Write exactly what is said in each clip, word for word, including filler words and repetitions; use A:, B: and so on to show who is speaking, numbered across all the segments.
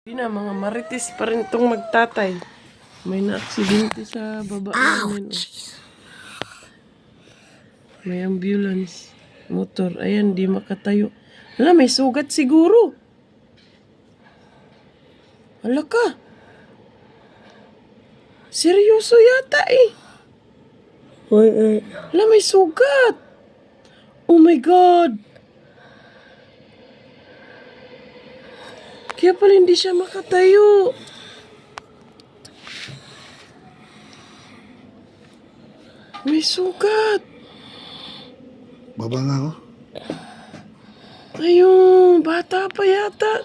A: Na, mga marites pa rin itong magtatay. May na-aksidente sa baba namin. Oh. May ambulance. Motor. Ayan, di makatayo. Hala, may sugat siguro. Hala ka. Seryoso yata eh.
B: Uy, uy.
A: Hala, may sugat. Oh my God. Kaya pala hindi siya makatayo. May sugat.
C: Baba nga ako.
A: Ayun, bata pa yata.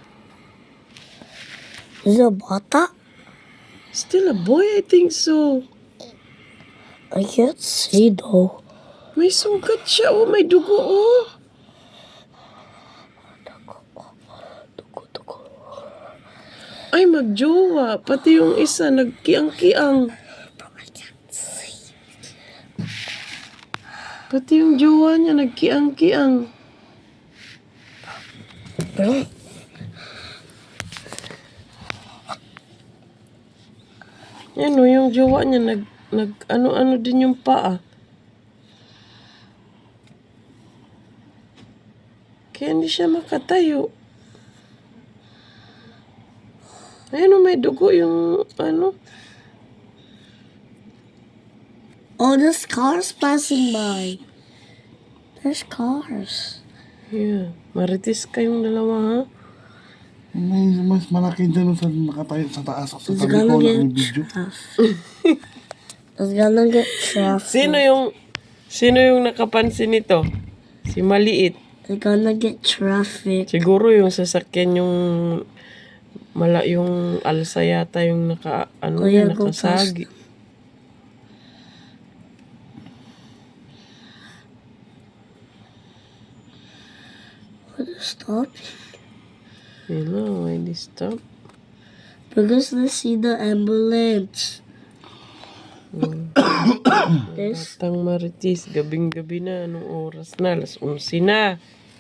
B: Is it a bata?
A: Still a boy, I think so.
B: I can't see though.
A: May sugat siya. Oh, may dugo, oh.
B: Dugo, dugo.
A: Ay, magjowa. Pati yung isa, nagkiang-kiang. Pati yung jowa niya, nagkiang-kiang.
B: Bro,
A: Yan o, yung jowa niya, nag, nag ano-ano din yung paa. Kaya hindi siya makatayo. Ayan o, may dugo yung ano.
B: oh, there's cars passing by. There's cars.
A: Yeah, maritis kayong dalawa ha.
C: May mas malaki dyan sa nakatayo sa taas. Sa
B: It's
C: tabi
B: gonna
C: ko
B: get
C: lang yung video.
B: traffic. It's gonna get traffic.
A: Sino yung, sino yung nakapansin nito? Si Maliit.
B: It's gonna get traffic.
A: Siguro yung sasakyan yung mala yung alsa yata yung naka ano
B: Kuya,
A: yan,
B: go
A: nakasagi.
B: What is stop?
A: Hello, why they stop?
B: Because they see the ambulance. This
A: Batang maritis, gabing-gabi na, anong oras na? Alas onse na.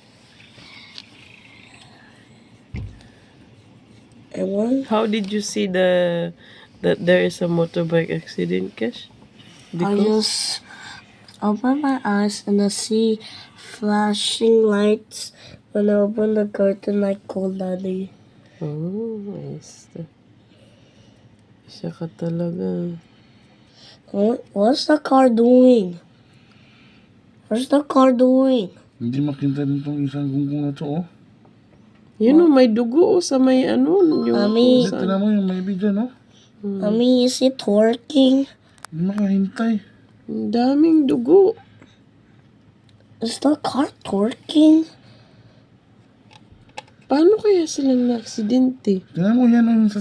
B: and one.
A: How did you see the that there is a motorbike accident, Kesh?
B: I just open my eyes and I see flashing lights. When I open the curtain, I call Daddy.
A: Oh, nice. Siya ka talaga.
B: What, what's the car doing? What's the car doing?
C: Hindi makita din itong isang gunggong na to, oh.
A: Yun o, may dugo o sa may ano. Yung
B: Mami.
A: kung saan.
C: Tignan mo yung maybe dyan, oh.
B: Mommy, is it working?
C: Hindi makahintay.
A: Ang daming dugo.
B: Is the car twerking?
A: Paano kaya silang na-aksidente?
C: Tignan mo yan, oh, yung